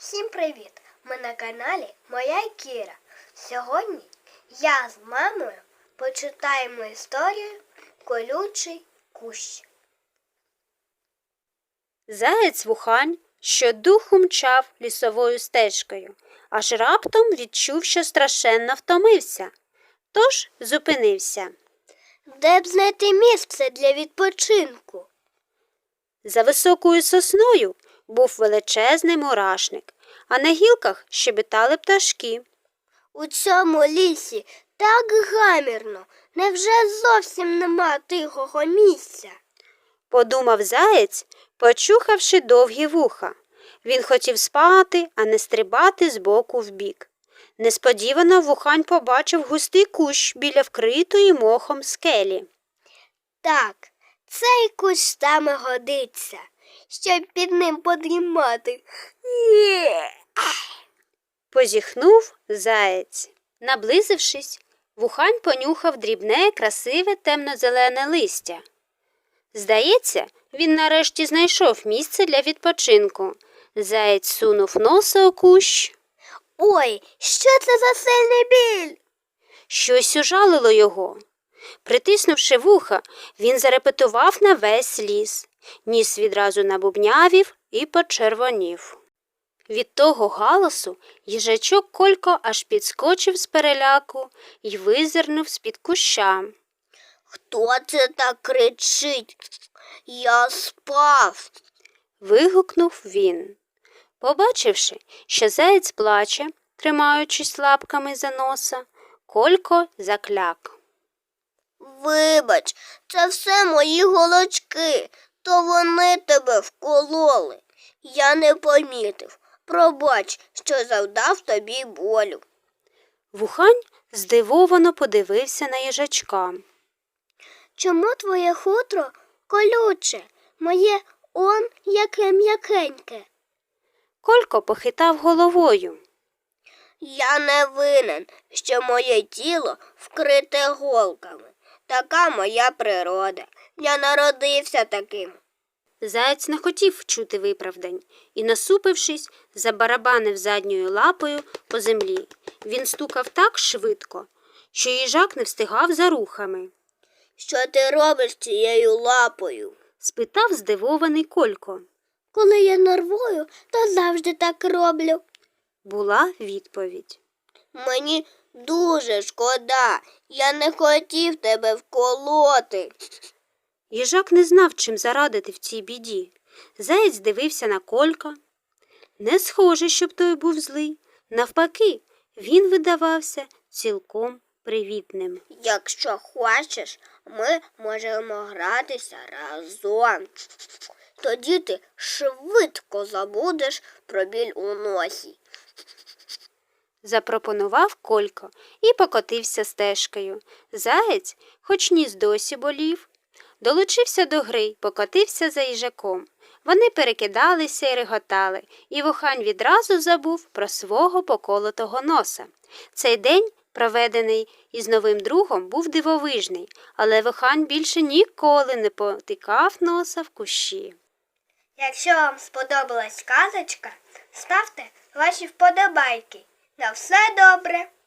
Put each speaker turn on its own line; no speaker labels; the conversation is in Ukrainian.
Всім привіт! Ми на каналі Моя Кіра. Сьогодні я з мамою почитаємо історію «Колючий кущ».
Заєць Вухань щодуху мчав лісовою стежкою, аж раптом відчув, що страшенно втомився. Тож зупинився.
Де б знайти місце для відпочинку?
За високою сосною був величезний мурашник, а на гілках щебетали пташки.
У цьому лісі так гамірно. Невже зовсім нема тихого місця?
Подумав заєць, почухавши довгі вуха. Він хотів спати, а не стрибати з боку в бік. Несподівано Вухань побачив густий кущ біля вкритої мохом скелі.
Так, цей кущ саме годиться, щоб під ним подрімати.
Позіхнув заєць. Наблизившись, Вухань понюхав дрібне, красиве темно-зелене листя. Здається, він нарешті знайшов місце для відпочинку. Заєць сунув носа у кущ.
Ой, що це за сильний біль?
Щось ужалило його. Притиснувши вуха, він зарепетував на весь ліс. Ніс відразу набубнявів і почервонів. Від того галасу їжачок Колько аж підскочив з переляку й визирнув з-під куща.
Хто це так кричить? Я спав.
Вигукнув він. Побачивши, що заєць плаче, тримаючись лапками за носа, Колько закляк.
Вибач, це все мої голочки, то вони тебе вкололи. Я не помітив. Пробач, що завдав тобі болю.
Вухань здивовано подивився на їжачка.
Чому твоє хутро колюче? Моє он яке м'якеньке.
Колько похитав головою.
Я не винен, що моє тіло вкрите голками. Така моя природа. Я народився таким.
Заєць не хотів чути виправдань і, насупившись, забарабанив задньою лапою по землі. Він стукав так швидко, що їжак не встигав за рухами.
Що ти робиш цією лапою?
Спитав здивований Колько.
Коли я нервую, то завжди так роблю.
Була відповідь.
Мені дуже шкода. Я не хотів тебе вколоти.
Їжак не знав, чим зарадити в цій біді. Заєць дивився на Колька. Не схоже, щоб той був злий. Навпаки, він видавався цілком привітним.
Якщо хочеш, ми можемо гратися разом. Тоді ти швидко забудеш про біль у носі.
Запропонував Колько і покотився стежкою. Заєць, хоч ніс досі болів, долучився до гри й покотився за їжаком. Вони перекидалися й реготали, і Вухань відразу забув про свого поколотого носа. Цей день, проведений із новим другом, був дивовижний, але Вухань більше ніколи не потикав носа в кущі.
Якщо вам сподобалась казочка, ставте ваші вподобайки. На все добре!